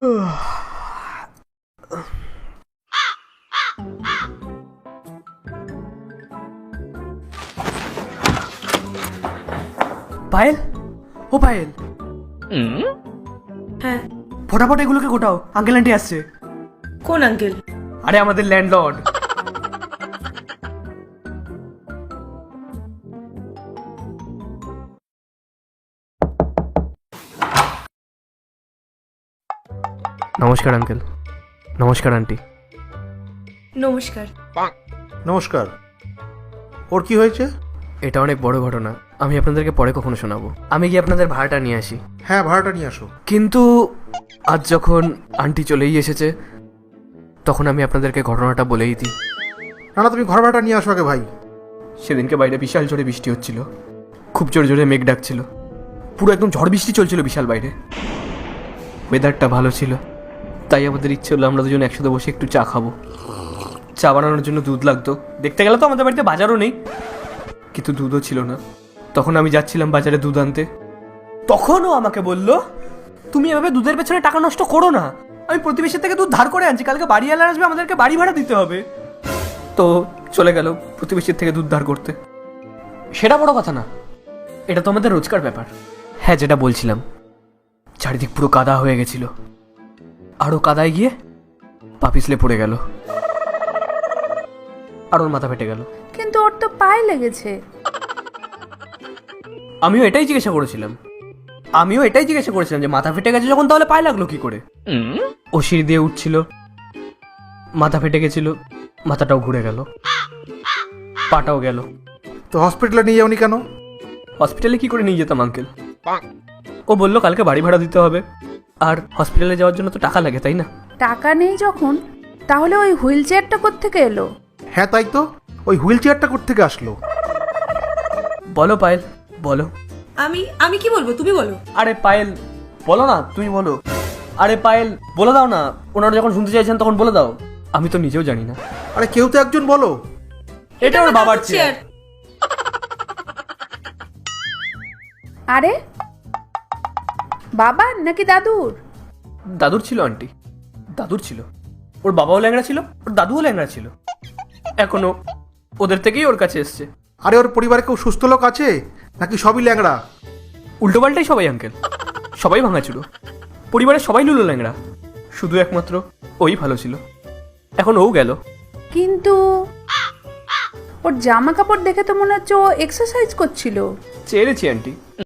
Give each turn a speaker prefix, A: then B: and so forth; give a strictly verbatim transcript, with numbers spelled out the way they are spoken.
A: পায়েল, ও পায়েল,
B: হ্যাঁ
A: ফটাফট এগুলোকে গোটাও, আঙ্কেল আন্টি আসছে।
B: কোন আঙ্কেল?
A: আরে আমাদের ল্যান্ডলর্ড। নমস্কার আঙ্কেল। নমস্কার আন্টি।
B: নমস্কার।
C: নমস্কার। ওর কি হয়েছে?
A: এটা অনেক বড় ঘটনা, আমি আপনাদেরকে পরে কখনো শোনাবো। আমি গিয়ে আপনাদের ভাড়াটা নিয়ে আসি।
C: হ্যাঁ, ভাড়াটা নিয়ে আসো।
A: কিন্তু আজ যখন আন্টি চলেই এসেছে, তখন আমি আপনাদেরকে ঘটনাটা বলেই দিই।
C: না না, তুমি ঘর ভাড়াটা নিয়ে আসো আগে ভাই।
A: সেদিনকে বাইরে বিশাল জোরে বৃষ্টি হচ্ছিল, খুব জোরে জোরে মেঘ ডাকছিল, পুরো একদম ঝড় বৃষ্টি চলছিল বিশাল বাইরে। ওয়েদারটা ভালো ছিল, তাই আমাদের ইচ্ছে হলো আমরা দুজন একসাথে বসে একটু চা খাবো। চা বানানোর জন্য দুধ লাগতো। দেখতে গেলে তো আমাদের বাড়িতে বাজারও নেই, কিন্তু দুধও ছিল না। তখন আমি যাচ্ছিলাম বাজারে দুধ আনতে, তখনও আমাকে বলল, তুমি এভাবে দুধের পেছনে টাকা নষ্ট করো না, আমি প্রতিবেশীর থেকে দুধ ধার করে আনছি, কালকে বাড়িওয়ালা আসবে, আমাদেরকে বাড়ি ভাড়া দিতে হবে। তো চলে গেল প্রতিবেশীর থেকে দুধ ধার করতে। সেটা বড় কথা না, এটা তো আমাদের রোজকার ব্যাপার। হ্যাঁ, যেটা বলছিলাম, চারিদিক পুরো কাদা হয়ে গেছিল, আরও কাদায় গিয়ে পা পিছলে পড়ে গেল, আর ওর মাথা ফেটে গেল।
D: কিন্তু ওর তো পায়ে লেগেছে।
A: আমিও এটাই জিজ্ঞাসা করেছিলাম আমিও এটাই জিজ্ঞাসা করেছিলাম যে মাথা ফেটে গেছে যখন, তাহলে পায়ে লাগলো কি করে? ও সিঁড়ি দিয়ে উঠছিল, মাথা ফেটে গেছিল, মাথাটাও ঘুরে গেল, পাটাও গেল।
C: তো হসপিটালে নিয়ে যাওনি কেন?
A: হসপিটালে কি করে নিয়ে যেতাম আঙ্কেল? ও বললো কালকে বাড়ি ভাড়া দিতে হবে, আর হসপিটালে যাওয়ার জন্য তো টাকা লাগে, তাই না?
D: টাকা নেই যখন, তাহলে ওই হুইল চেয়ারটা কোত্থেকে এলো?
C: হ্যাঁ তাই তো, ওই হুইল চেয়ারটা কোত্থেকে আসলো?
A: বলো পায়েল, বলো।
B: আমি আমি কি বলবো, তুমি বলো।
A: আরে পায়েল, বলো না, তুমি বলো। আরে পায়েল, বলে দাও না, ওনারা যখন শুনতে চাইছেন তখন বলে দাও। আমি তো নিজেও জানি না।
C: আরে কেউ তো একজন বলো।
A: এটা ওর বাবার চেয়ার।
D: আরে বাবার নাকি দাদুর?
A: দাদুর ছিল আন্টি, দাদুর ছিল। ওর বাবাও ল্যাংড়া ছিল, ওর দাদুও ল্যাংড়া ছিল, এখনো ওদের থেকেই ওর কাছে এসছে।
C: আরে ওর পরিবারে কেউ সুস্থ লোক আছে নাকি সবই ল্যাংড়া?
A: উল্টো পাল্টাই সবাই আঙ্কেল, সবাই ভাঙাচুরো, পরিবারের সবাই লুলো ল্যাংড়া, শুধু একমাত্র ওই ভালো ছিল। এখন ও গেল।
D: কিন্তু ওর জামা কাপড় দেখে তো মনে হচ্ছে ও এক্সারসাইজ করছিল।
A: চেয়েছি আন্টি।